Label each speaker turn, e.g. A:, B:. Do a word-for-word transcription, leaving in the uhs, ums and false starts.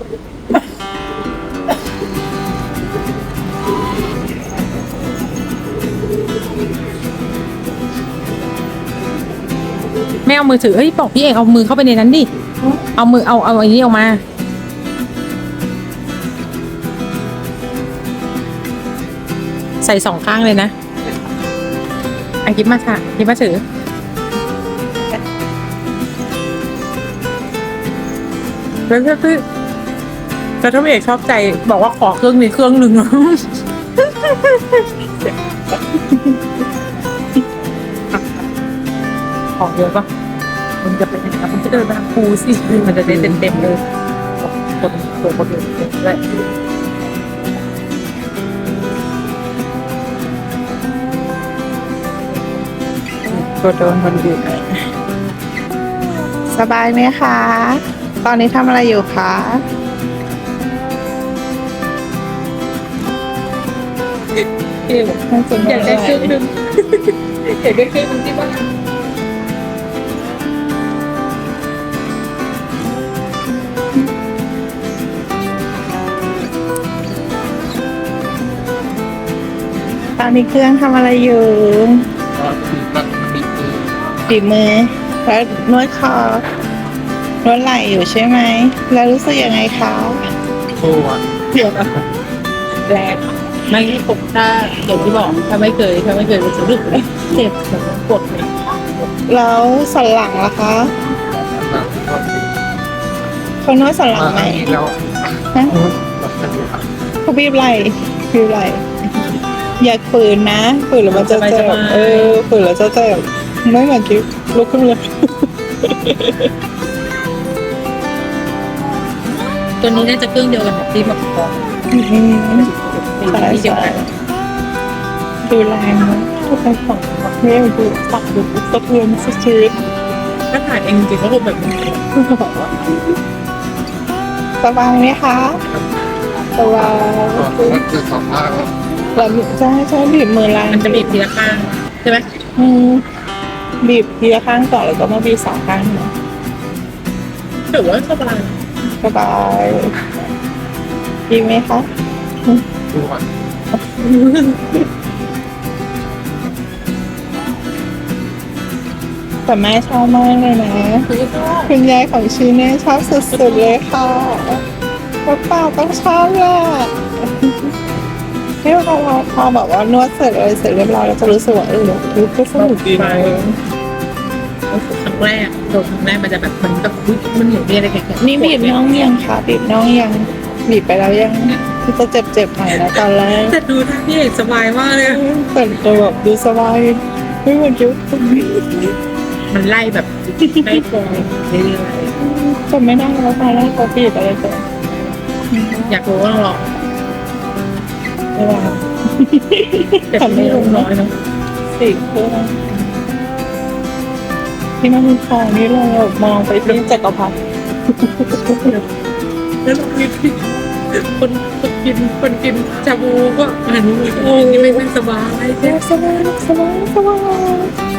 A: ไม่เอามือถือเฮ้ยบอกพี่เอกเอามือเข้าไปในนั้นดิเอามือเอาเอาอันนี้ออกมาใส่สองข้างเลยนะอันกิ๊บมาค่ะกิ๊บมาถือแล้วก็คือแต่ถ้าพี่เอกชอบใจบอกว่าขอเครื่องนี้เครื่องหนึ่งของเยอะปะมันจะเป็นยังไงมันจะเดินมาคูสิมันจะได้เต็มเต็มเลยคนตัวคนเดียวเลยตัวโดนคนอื่น
B: สบายไหมคะ ตอนนี้ทำอะไรอยู่คะ
A: อยากได้เครื่องนึงอยากได้เครื่องนึงที่บ้าน
B: ตอนนี้เครื่องทำอะไรอยู่ฝีมือแล้วนวดคอนวดไหล่อยู่ใช่ไหม แล้วรู้สึกยังไงคะ
C: โอ้ะ
A: เดี๋ยวนะแรงไม่ผมถ้าอย่างที่บอกถ้าไม่เคยถ้าไม่เคยรู้สึกเจ็บแบบปวดเลย
B: แล้วสันหลังล่ะคะเขานวดสันหลังไหม
C: แล้ว
B: ฮะเขาบีบไหล่บีบไหล่อย่าฝืนนะฝืนแล้วมันจะเจ็บเออฝืนแล้วจะเจ็บไม่เหมือนกิ๊บลุกขึ้นเลย
A: ตัวนี้น่าจะเครื่องเดียวกันที่แบบของ
B: อืม
A: ใช่ใช่
B: ดูแรงนะทุกคนฝั่งประเทศดูตักดูสะเทือนสะเทือน
A: ถ้าถ่ายเองจริงก็คงแบบนี้
B: สบายไหมคะสบาย
C: มันคือสองภาค
B: แล้วใช่ใช่บีบมือแรง
A: มันจะบีบทีละข้างใช่ไหม
B: อืมบีบทีละข้างก่อนแล้วก็มาบีบสองข้างนะ
A: ถือว่าสบาย
B: สบายดีไหมคะ
C: ดูวัน
B: แต่แม่ชอบมากเลยนะ
A: คือชอบ
B: คุณยายของชีเน่ชอบสุดๆเลยค่ะป้าป้าต้องชอบแหละนี่พอพอแบบว่านวดเสร็จอะไรเสร็จเรียบร้อยเราจะรู้สึกว่าเออรู้ก็สนุกดีนะ
A: รู้สึกครั้งแรกโดนครั้งแรกมันจะแบบมันแบบอุ๊ยมันเหนียวเนี่ยอะไรแข็งๆ
B: นี่บีบน้องยังคะบีบน้องยังบีบไปแล้วยังคือจะเจ็บๆหน่อยนะตอนแรก
A: แต่ดูท่าพี่เอกสบายมากเลย
B: แต่แต่แบบดูสบายไม่เหมือนยุค
A: มันไล่แบบไล่ตรงเรื่อย
B: จำไม่ได้แล้วตอนแรกเขาบีบอะไรตัว
A: ๆอยากรู้ว่าหรอ
B: เวลา
A: แต่ไม่ลงน้อยเนาะ
B: สี่เครื่องที่มันมีทองนี่เราแบบมองไปที่จักรพรรดิ
A: แล้วเรามีพี่คนคนกินคนกินชาบูก็หันมือโอ้ยนี่ไม่ไม่สบาย
B: สบายสบายสบาย